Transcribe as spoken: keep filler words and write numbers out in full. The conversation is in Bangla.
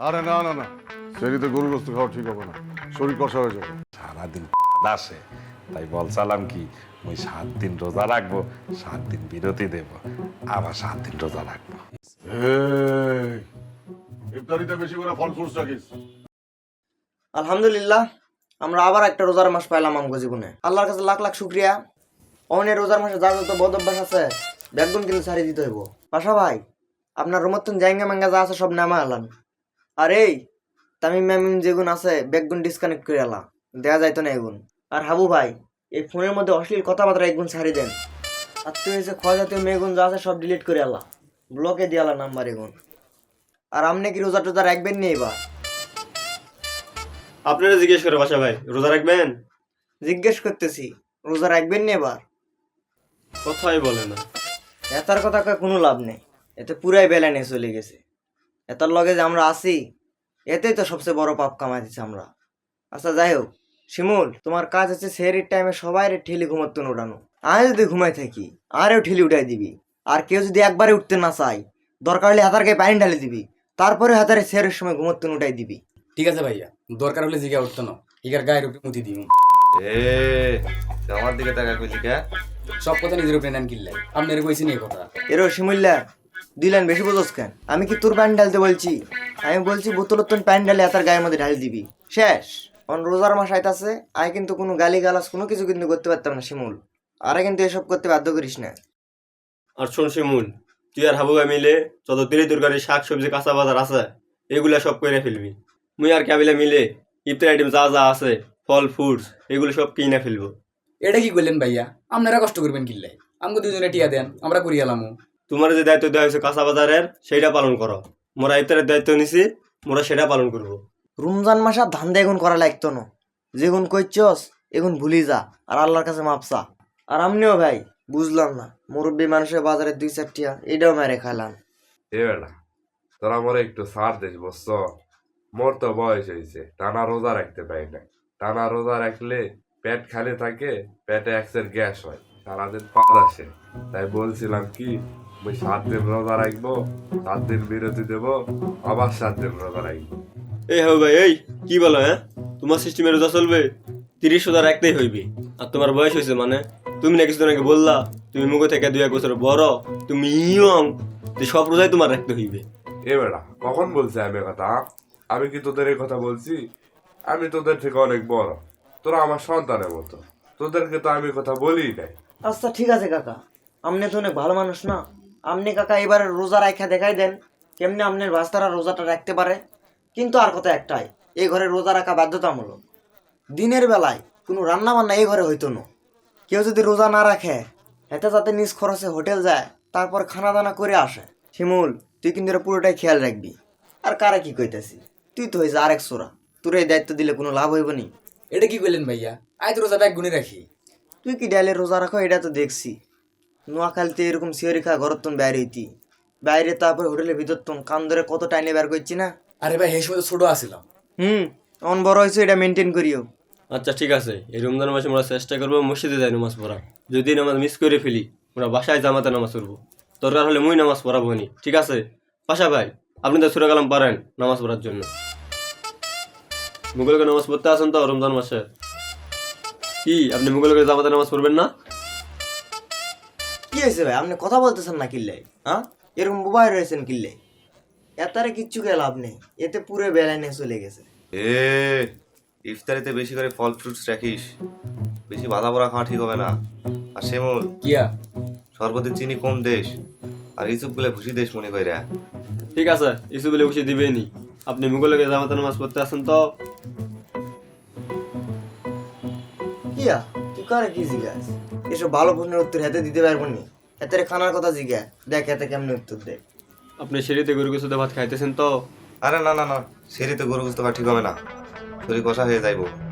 আরে না না না, সেরিতে গরু গোস্ত খাওয়া ঠিক হবে না, শরীর কষা হয়ে যাবে। সারাদিন আসে, তাই বলছিলাম কি ওই সাত দিন রোজা রাখবো, সাত দিন বিরতি দেব, আবার সাত দিন রোজা রাখবো। এই, ইফতারিতে বেশি করে ফল ফ্রুটস রাখিস। আলহামদুলিল্লাহ, আমরা আবার একটা রোজার মাস পাইলাম আমগো জীবনে। আল্লাহর কাছে লাখ লাখ শুক্রিয়া। অনের রোজার মাসে যা যত বদ অভ্যাস আছে ব্যাগগুন কিন্তু ছাড়িয়ে দিতে হইব। পাশা ভাই, আপনার রুমতন জাইঙ্গা মাঙ্গা যা আছে সব নামা আলান। আর এই তামিম ম্যামিম যেগুন আছে ব্যাগগুন ডিসকানেক্ট করে আলা, দেয়া যাইতো না এগুন। আর হাবু ভাই, এই ফোনের মধ্যে অশ্লীল কথাবার্তা একগুন ছাড়িয়ে দেন। আর তুই হয়েছে ক্ষয় জাতীয় মেয়েগুন যা আছে সব ডিলিট করে আলা, ব্লকে দিয়ে আলা নাম্বার এগুন। আর আপনি কি রোজা টোজা রাখবেন নি এবার? আপনারা জিজ্ঞেস করে বাসা ভাই রোজা রাখবেন? জিজ্ঞেস করতেছি, রোজা রাখবেন নি এবার? কথাই বলে না। এতার কথা কয়ে কোনো লাভ নেই, এতে পুরাই বেলাইনে চলে গেছে। এতার লগে যে আমরা আছি, এতেই তো সবচেয়ে বড় পাপ কামাই দিচ্ছি আমরা। আচ্ছা যাই হোক, শিমুল, তোমার কাজ হচ্ছে সেহরির টাইমে সবাই ঠেলি ঘুমাতেন উঠানো। আমি যদি ঘুমাই থাকি আরেও ঠেলি উঠাই দিবি। আর কেউ যদি একবারে উঠতে না চাই, দরকার হলে হাতার গায়ে পানি ঢালে দিবি, তারপরে হাতারে সেহরের সময় ঘুমাতেন উঠাই দিবি। ঠিক আছে ভাইয়া, দরকার হলে জিগা উঠতো না, ইগার গায়ের উপরে মুতি দিই। এ আমার দিকে তাকা কইলি কে? সব কথা নিজের উপরে নেন কিল্লাই, আপনার কইছি নি কথা। এরো শিমুল্লা, দুই লাইন বেশি বোঝস কেন? আমি কি তোর প্যান্ট ঢালতে বলছি? আমি বলছি বোতলের তোর প্যান্ট ঢালে হাতার গায়ের মধ্যে ঢাল দিবি, শেষ। অন রোজার মাস আইতাছে, আমি কিন্তু কোনো গালি গালাস কোনো কিছু কিন্তু করতে পারতাম না শিমুল। আরে কিন্তু এসব করতে বাধ্য করিস না। আর শোন শিমুল, তুই আর হাবু ভাই মিলে যত তরি তরকারি শাক সবজি কাঁচা বাজার আছে এগুলা সব করে ফেলবি। মুই আর কাবিলা মিলে ইফতার আইটেম যা যা আছে ফল ফ্রুটস এগুলো সব কিনে ফেলবো। এটা কি করলেন ভাইয়া? আপনারা কষ্ট করবেন কিল্লাই, আমাকে দুজনে টিয়া দেন, আমরা করি এলামো। তোমার যে দায়িত্ব দেওয়া হয়েছে কাঁচা বাজারের সেইটা পালন করো। মোরা ইফতারের দায়িত্ব নিছি, মোরা সেটা পালন করবো। রমজান মাস আর ধান্দা এগুন করা লাগতো না, যেগুন কইছস এগুন ভুলি যা আর আল্লাহর কাছে মাপসা। আর আমনিও ভাই, বুঝলাম না, মুরব্বী মানুষের বাজারে দুই চারটিয়া এটাও মেরে খাইলাম। এ বেটা তোরা মোরে একটু ছাড় দিস বুঝছ? মোর তো বয়স হয়েছে, টানা রোজা রাখতে পারি না। টানা রোজা রাখলে পেট খালি থাকে, পেটে একসের গ্যাস হয়, সারাদিন পাদ আসে। তাই বলছিলাম কি ওই সাত দিন রোজা রাখবো, সাত দিন বিরতি দেবো, আবার সাত দিন রোজা রাখবো। এই হাবু ভাই, এই কি বলো? হ্যাঁ, তোমার সিস্টেমে রোজা চলবে, তিরিশ রোজা রাখতেই হইবে। আর তোমার বয়স হয়েছে মানে তুমি না কিছুদিন আগে বললা তুমি মুখ থেকে দুই এক বছর বড়, তুমি ইয়ং, যে সব রোজাই তোমার রাখতে হইবে। এ বেটা কখন বলছি আমি এ কথা? আমি কি তোদের এই কথা বলছি? আমি তোদের থেকে অনেক বড়, তোরা আমার সন্তানের মতো, তোদেরকে তো আমি কথা বলি নাই। আচ্ছা ঠিক আছে কাকা, আপনি তো অনেক ভালো মানুষ না? আপনি কাকা এবার রোজা রাখা দেখাই দেন কেমনি আপনার বাস্তারা রোজাটা রাখতে পারে। কিন্তু আর কথা একটাই, এই ঘরে রোজা রাখা বাধ্যতামূলক। দিনের বেলায় কোনো রান্না বান্না এই ঘরে হইতো না। কেউ যদি রোজা না রাখে, এতে যাতে নিজ খরচে হোটেল যায়, তারপর খানা দানা করে আসে। শিমুল, তুই কিন্তু এটা পুরোটাই খেয়াল রাখবি। আর কারা কি কইতেছি, তুই তো হয়েছে আরেক সোরা, তোর এই দায়িত্ব দিলে কোনো লাভ হইব নি। এটা কি করলেন ভাইয়া? আয় তো রোজা ব্যাগ গুনে রাখি। তুই কি ডাইলে রোজা রাখো এটা তো দেখছি। নোয়াখালীতে এরকম সিওরি খা ঘর তুন বাইরে হইতি, বাইরে তারপরে হোটেলের ভিতর তুন কান ধরে কত টাইনে বের করছি না। আরে ভাই এই সময় ছোট আসিলাম। হুম, অন বড় হয়েছে, এটা মেনটেন করিও। আচ্ছা ঠিক আছে, এই রমজান মাসে আমরা চেষ্টা করবো মসজিদে যাই নামাজ পড়া। যদি নামাজ মিস করে ফেলি, আমরা বাসায় জামাতে নামাজ পড়বো। দরকার হলে মুই নামাজ পড়াবো নি, ঠিক আছে? পাশা ভাই, আপনি তো সুরা কালাম পারেন নামাজ পড়ার জন্য। মুঘলকে নামাজ পড়তে আসেন তো রমজান মাসে। কি আপনি মুঘলকে জামাতে নামাজ পড়বেন না? কি হয়েছে ভাই, আপনি কথা বলতেছেন না কিল্লে? হ্যাঁ, এরকম বোবাই রয়েছেন কিল্লে? এতারে কিচ্ছু কে লাভ নেই, এতে পুরো বেলায় নিয়ে চলে গেছে। এ ইফতারিতে বেশি করে ফল ফ্রুটস রাখিস, বেশি বাধা পড়া খাওয়া ঠিক হবে না। আর শ্যামল, কিয়া সর্বতে চিনি কম দেশ, আর ইসুপ গুলো ভুসি দেশ মনে করে। ঠিক আছে, ইসু বলে বসে দিবেনি। আপনি মুঘলকে জামাতে নামাজ পড়তে আসেন তো। কিয়া তুই কারে কি জিজ্ঞাস? এসব ভালো প্রশ্নের উত্তর হাতে দিতে পারবো নি। এতে খানার কথা জিজ্ঞা, দেখ এতে কেমনি উত্তর দেখ। আপনি সিঁড়িতে গরু কিছুতে ভাত খাইতেছেন তো। আরে না না না, সেরিতে গরু বুঝতে পারা ঠিক হবে না, শরীর কষা হয়ে যাইবো।